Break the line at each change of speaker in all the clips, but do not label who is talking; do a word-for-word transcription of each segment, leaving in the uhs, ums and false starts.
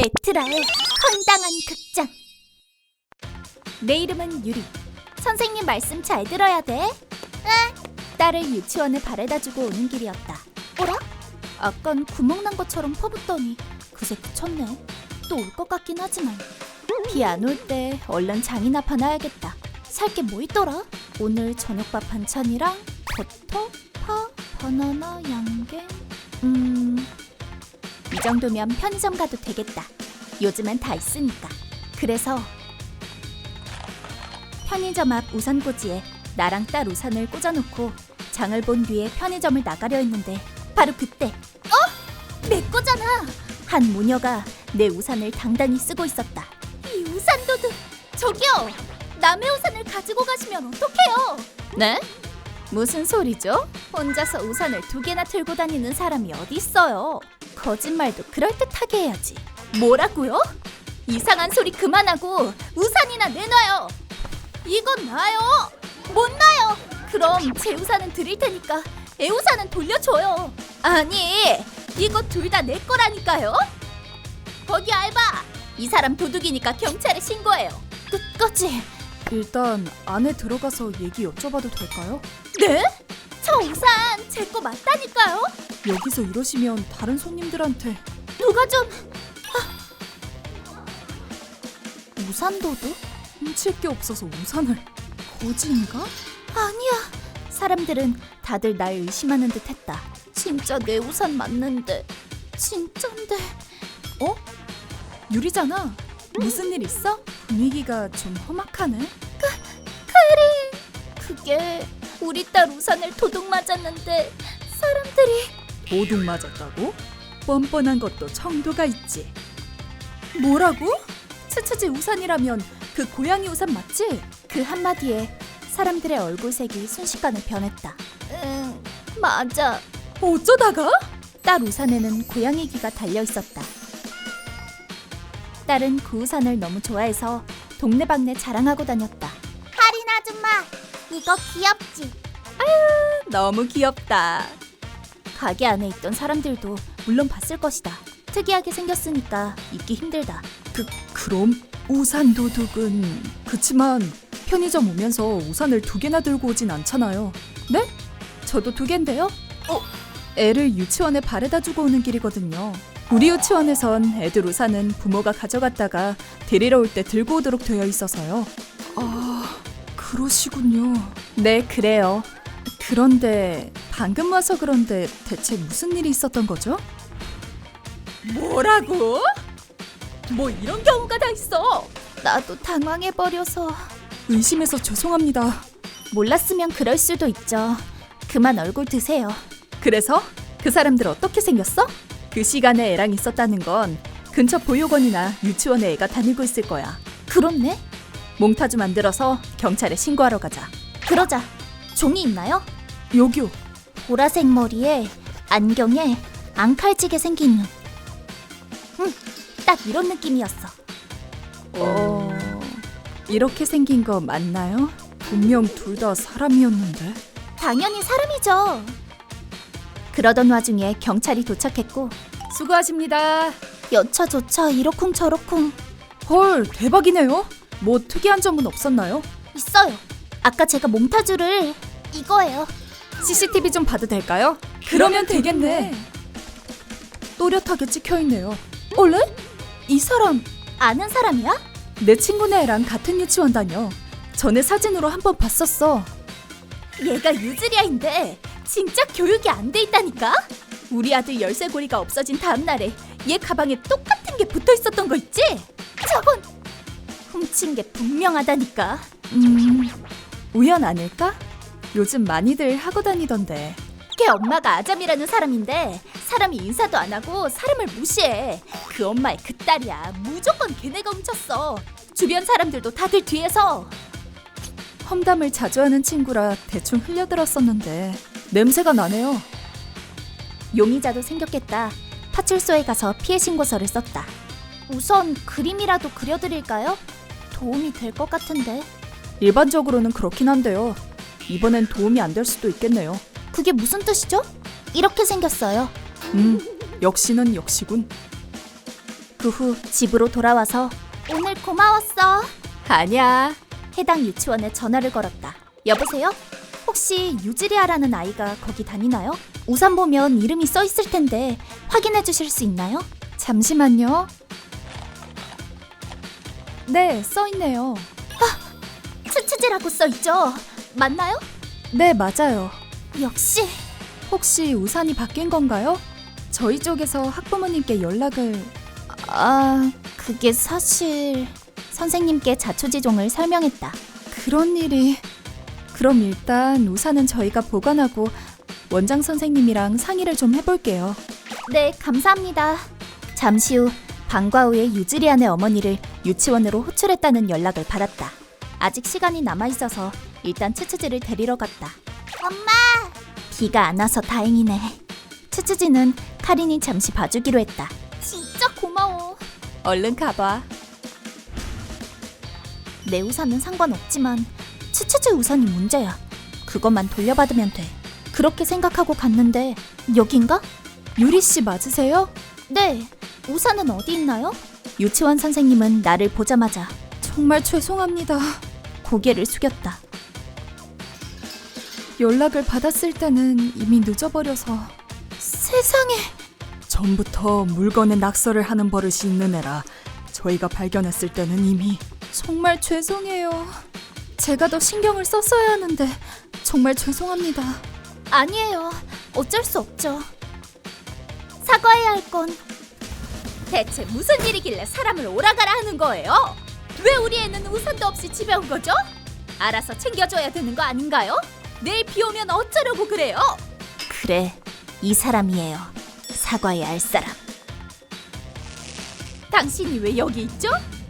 에트라의 황당한 극장. 내 이름은 유리. 선생님 말씀 잘 들어야 돼. 응. 딸을 유치원에 바래다주고 오는 길이었다. 어라? 아깐 구멍 난 것처럼 퍼붓더니 그새 그쳤네. 또 올 것 같긴 하지만 비 안 올 때 얼른 장이나 파놔야겠다. 살 게 뭐 있더라? 오늘 저녁밥 반찬이랑 버터, 파, 바나나, 양갱. 음... 이 정도면 편의점 가도 되겠다. 요즘엔 다 있으니까. 그래서 편의점 앞 우산꽂이에 나랑 딸 우산을 꽂아놓고 장을 본 뒤에 편의점을 나가려 했는데 바로 그때 어? 내 거잖아! 한 모녀가 내 우산을 당당히 쓰고 있었다. 이 우산도둑! 저기요! 남의 우산을 가지고 가시면 어떡해요? 네? 무슨 소리죠? 혼자서 우산을 두 개나 들고 다니는 사람이 어디 있어요? 거짓말도 그럴듯하게 해야지. 뭐라고요? 이상한 소리 그만하고 우산이나 내놔요. 이건 나요. 못 나요. 그럼 제 우산은 드릴 테니까 애 우산은 돌려줘요. 아니, 이거 둘 다 내 거라니까요. 거기 알바, 이 사람 도둑이니까 경찰에 신고해요. 끝까지.
일단 안에 들어가서 얘기 여쭤봐도 될까요?
네? 저 우산 제 거 맞다니까요.
여기서 이러시면 다른 손님들한테.
누가 좀... 아... 우산 도둑?
훔칠 게 없어서 우산을. 거지인가?
아니야. 사람들은 다들 날 의심하는 듯 했다. 진짜 내 우산 맞는데. 진짠데.
어? 유리잖아. 무슨 일 있어? 분위기가 좀 험악하네.
그, 카린. 그게 우리 딸 우산을 도둑 맞았는데 사람들이...
도둑 맞았다고? 뻔뻔한 것도 정도가 있지. 뭐라고? 츠츠지 우산이라면 그 고양이 우산 맞지?
그 한마디에 사람들의 얼굴색이 순식간에 변했다. 응, 맞아.
어쩌다가?
딸 우산에는 고양이 귀가 달려있었다. 딸은 그 우산을 너무 좋아해서 동네방네 자랑하고 다녔다. 카린 아줌마, 이거 귀엽지?
아유, 너무 귀엽다.
가게 안에 있던 사람들도 물론 봤을 것이다. 특이하게 생겼으니까 잊기 힘들다.
그, 그럼 우산 도둑은... 그치만 편의점 오면서 우산을 두 개나 들고 오진 않잖아요. 네? 저도 두 갠데요? 어? 애를 유치원에 바래다 주고 오는 길이거든요. 우리 유치원에선 애들 우산은 부모가 가져갔다가 데리러 올 때 들고 오도록 되어 있어서요. 아, 그러시군요. 네, 그래요. 그런데 방금 와서 그런데 대체 무슨 일이 있었던 거죠?
뭐라고? 뭐 이런 경우가 다 있어. 나도 당황해버려서.
의심해서 죄송합니다.
몰랐으면 그럴 수도 있죠. 그만 얼굴 드세요.
그래서? 그 사람들 어떻게 생겼어? 그 시간에 애랑 있었다는 건 근처 보육원이나 유치원에 애가 다니고 있을 거야.
그렇네?
몽타주 만들어서 경찰에 신고하러 가자.
그러자. 종이 있나요?
여기요.
보라색 머리에 안경에 앙칼지게 생긴 눈. 응, 딱 이런 느낌이었어.
어... 이렇게 생긴 거 맞나요? 분명 둘 다 사람이었는데.
당연히 사람이죠. 그러던 와중에 경찰이 도착했고.
수고하십니다.
여차저차 이러쿵저러쿵.
헐, 대박이네요. 뭐 특이한 점은 없었나요?
있어요. 아까 제가 몽타주를... 이거예요.
씨씨티비 좀 봐도 될까요? 그러면 되겠네. 또렷하게 찍혀있네요. 원래? 이 사람
아는 사람이야?
내 친구네 애랑 같은 유치원 다녀. 전에 사진으로 한번 봤었어.
얘가 유즈리아인데 진짜 교육이 안 돼 있다니까? 우리 아들 열쇠고리가 없어진 다음 날에 얘 가방에 똑같은 게 붙어 있었던 거 있지? 저건 훔친 게 분명하다니까.
음... 우연 아닐까? 요즘 많이들 하고 다니던데.
걔 엄마가 아잠이라는 사람인데 사람이 인사도 안 하고 사람을 무시해. 그 엄마의 그 딸이야. 무조건 걔네가 훔쳤어. 주변 사람들도 다들 뒤에서.
험담을 자주 하는 친구라 대충 흘려들었었는데 냄새가 나네요.
용의자도 생겼겠다. 파출소에 가서 피해 신고서를 썼다. 우선 그림이라도 그려드릴까요? 도움이 될 것 같은데.
일반적으로는 그렇긴 한데요. 이번엔 도움이 안 될 수도 있겠네요.
그게 무슨 뜻이죠? 이렇게 생겼어요.
음, 역시는 역시군.
그 후 집으로 돌아와서 오늘 고마웠어.
아니야.
해당 유치원에 전화를 걸었다. 여보세요? 혹시 유지리아라는 아이가 거기 다니나요? 우산 보면 이름이 써 있을 텐데 확인해 주실 수 있나요?
잠시만요. 네, 써 있네요.
츠츠지라고 써 있죠? 맞나요?
네, 맞아요.
역시.
혹시 우산이 바뀐 건가요? 저희 쪽에서 학부모님께 연락을...
아, 그게 사실... 선생님께 자초지종을 설명했다.
그런 일이... 그럼 일단 우산은 저희가 보관하고 원장 선생님이랑 상의를 좀 해볼게요.
네, 감사합니다. 잠시 후 방과 후에 유지리안의 어머니를 유치원으로 호출했다는 연락을 받았다. 아직 시간이 남아있어서 일단 츠츠지를 데리러 갔다. 엄마! 비가 안 와서 다행이네. 츠츠지는 카린이 잠시 봐주기로 했다. 진짜 고마워.
얼른 가봐.
내 우산은 상관없지만 츠츠지 우산이 문제야. 그것만 돌려받으면 돼. 그렇게 생각하고 갔는데 여긴가?
유리 씨 맞으세요?
네. 우산은 어디 있나요? 유치원 선생님은 나를 보자마자
정말 죄송합니다.
고개를 숙였다.
연락을 받았을 때는 이미 늦어버려서.
세상에.
전부터 물건에 낙서를 하는 버릇이 있는 애라 저희가 발견했을 때는 이미. 정말 죄송해요. 제가 더 신경을 썼어야 하는데 정말 죄송합니다.
아니에요. 어쩔 수 없죠. 사과해야 할 건 대체 무슨 일이길래 사람을 오라가라 하는 거예요? 왜 우리 애는 우산도 없이 집에 온 거죠? 알아서 챙겨줘야 되는 거 아닌가요? 내일 비 오면 어쩌려고 그래요? 그래, 이 사람이에요. 사과해야 할 사람. 당신이 왜 여기 있죠?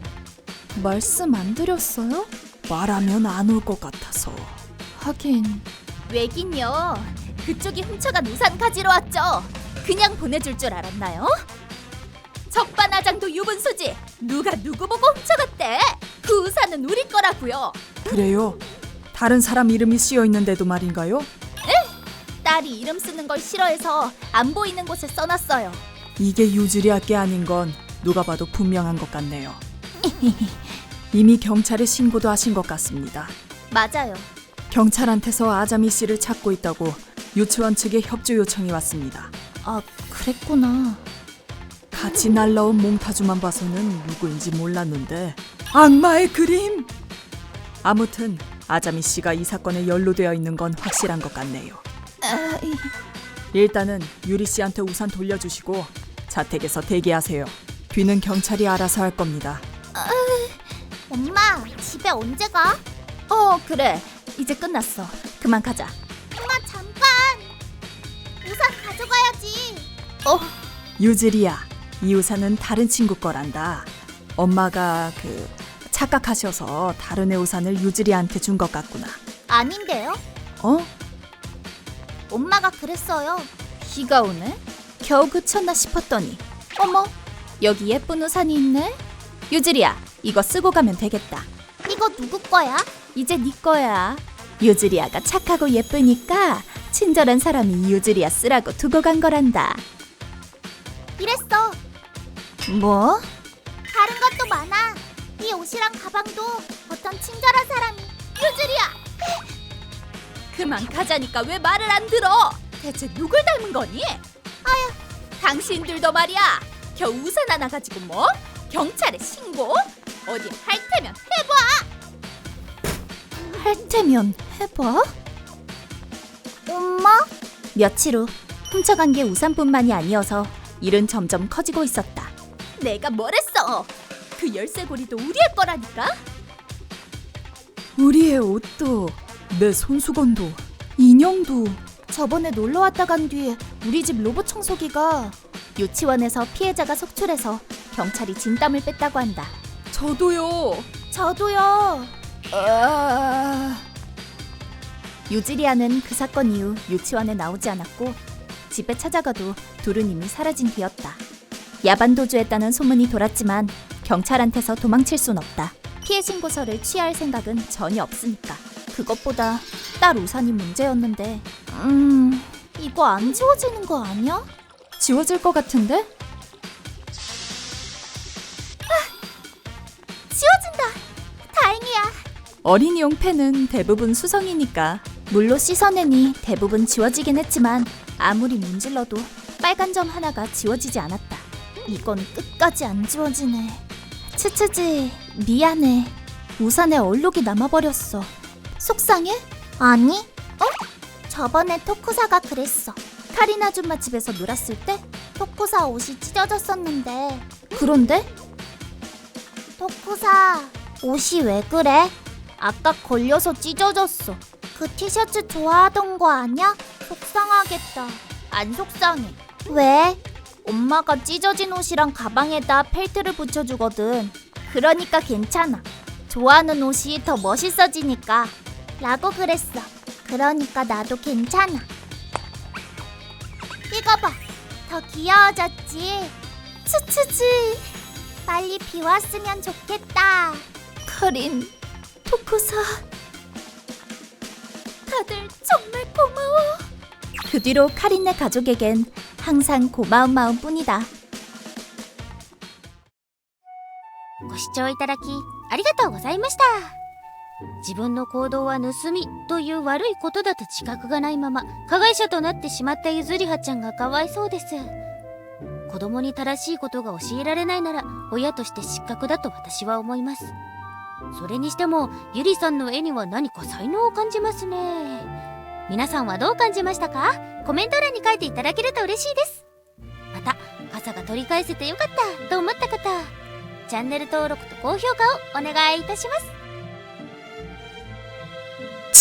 말씀 안 드렸어요? 말하면 안 올 것 같아서. 하긴.
왜긴요. 그쪽이 훔쳐간 우산 가지러 왔죠. 그냥 보내줄 줄 알았나요? 적반하장도 유분수지. 누가 누구 보고 훔쳐갔대? 그 우산은 우리 거라고요.
그래요? 다른 사람 이름이 쓰여 있는데도 말인가요?
딸이 이름 쓰는 걸 싫어해서 안 보이는 곳에 써놨어요.
이게 유지리아 게 아닌 건 누가 봐도 분명한 것 같네요. 이미 경찰에 신고도 하신 것 같습니다.
맞아요.
경찰한테서 아자미 씨를 찾고 있다고 유치원 측에 협조 요청이 왔습니다.
아, 그랬구나.
같이 날라온 몽타주만 봐서는 누구인지 몰랐는데. 악마의 그림! 아무튼 아자미 씨가 이 사건에 연루되어 있는 건 확실한 것 같네요.
아, 이...
일단은 유리 씨한테 우산 돌려주시고 자택에서 대기하세요. 뒤는 경찰이 알아서 할 겁니다.
엄마, 집에 언제 가? 어, 그래. 이제 끝났어. 그만 가자. 엄마, 잠깐. 우산 가져가야지. 어,
유지리아, 이 우산은 다른 친구 거란다. 엄마가 그 착각하셔서 다른 애 우산을 유지리아한테 준 것 같구나.
아닌데요?
어?
엄마가 그랬어요. 비가 오네? 겨우 그쳤나 싶었더니 어머, 여기 예쁜 우산이 있네? 유지리아, 이거 쓰고 가면 되겠다. 이거 누구 거야? 이제 네 거야. 유지리아가 착하고 예쁘니까 친절한 사람이 유지리아 쓰라고 두고 간 거란다. 이랬어. 뭐? 다른 것도 많아. 이 옷이랑 가방도 어떤 친절한 사람이. 유지리아! 그만 가자니까 왜 말을 안 들어? 대체 누굴 닮은 거니? 아휴, 당신들도 말이야. 겨우 우산 하나 가지고 뭐? 경찰에 신고? 어디 할 테면 해봐. 할 테면 해봐? 엄마? 며칠 후 훔쳐간 게 우산뿐만이 아니어서 일은 점점 커지고 있었다. 내가 뭘 했어? 그 열쇠고리도 우리의 거라니까?
우리의 옷도, 내 손수건도, 인형도.
저번에 놀러 왔다 간 뒤에 우리 집 로봇 청소기가 유치원에서 피해자가 속출해서 경찰이 진땀을 뺐다고 한다.
저도요.
저도요.
아...
유지리아는 그 사건 이후 유치원에 나오지 않았고 집에 찾아가도 둘은 이미 사라진 뒤였다. 야반 도주했다는 소문이 돌았지만 경찰한테서 도망칠 순 없다. 피해 신고서를 취할 생각은 전혀 없으니까. 그것보다 딸 우산이 문제였는데 음... 이거 안 지워지는 거 아니야?
지워질 것 같은데? 어린이용 펜은 대부분 수성이니까.
물로 씻어내니 대부분 지워지긴 했지만 아무리 문질러도 빨간 점 하나가 지워지지 않았다. 이건 끝까지 안 지워지네. 츠츠지, 미안해. 우산에 얼룩이 남아버렸어. 속상해? 아니. 어? 저번에 토쿠사가 그랬어. 카린 아줌마 집에서 놀았을 때 토쿠사 옷이 찢어졌었는데. 그런데? 토쿠사, 옷이 왜 그래? 아까 걸려서 찢어졌어. 그 티셔츠 좋아하던 거 아냐? 속상하겠다. 안 속상해. 왜? 엄마가 찢어진 옷이랑 가방에다 펠트를 붙여주거든. 그러니까 괜찮아. 좋아하는 옷이 더 멋있어지니까. 라고 그랬어. 그러니까 나도 괜찮아. 이거 봐. 더 귀여워졌지? 츠츠지. 빨리 비 왔으면 좋겠다.
카린, 토쿠사.
다들 정말 고마워.
그 뒤로 카린네 가족에겐 항상 고마운 마음뿐이다.
ご視聴いただきありがとうございました。自分の行動は盗みという悪いことだと自覚がないまま加害者となってしまったゆずりはちゃんがかわいそうです。子供に正しいことが教えられないなら親として失格だと私は思います。それにしてもゆりさんの絵には何か才能を感じますね。皆さんはどう感じましたか？コメント欄に書いていただけると嬉しいです。また傘が取り返せてよかったと思った方、チャンネル登録と高評価をお願いいたします。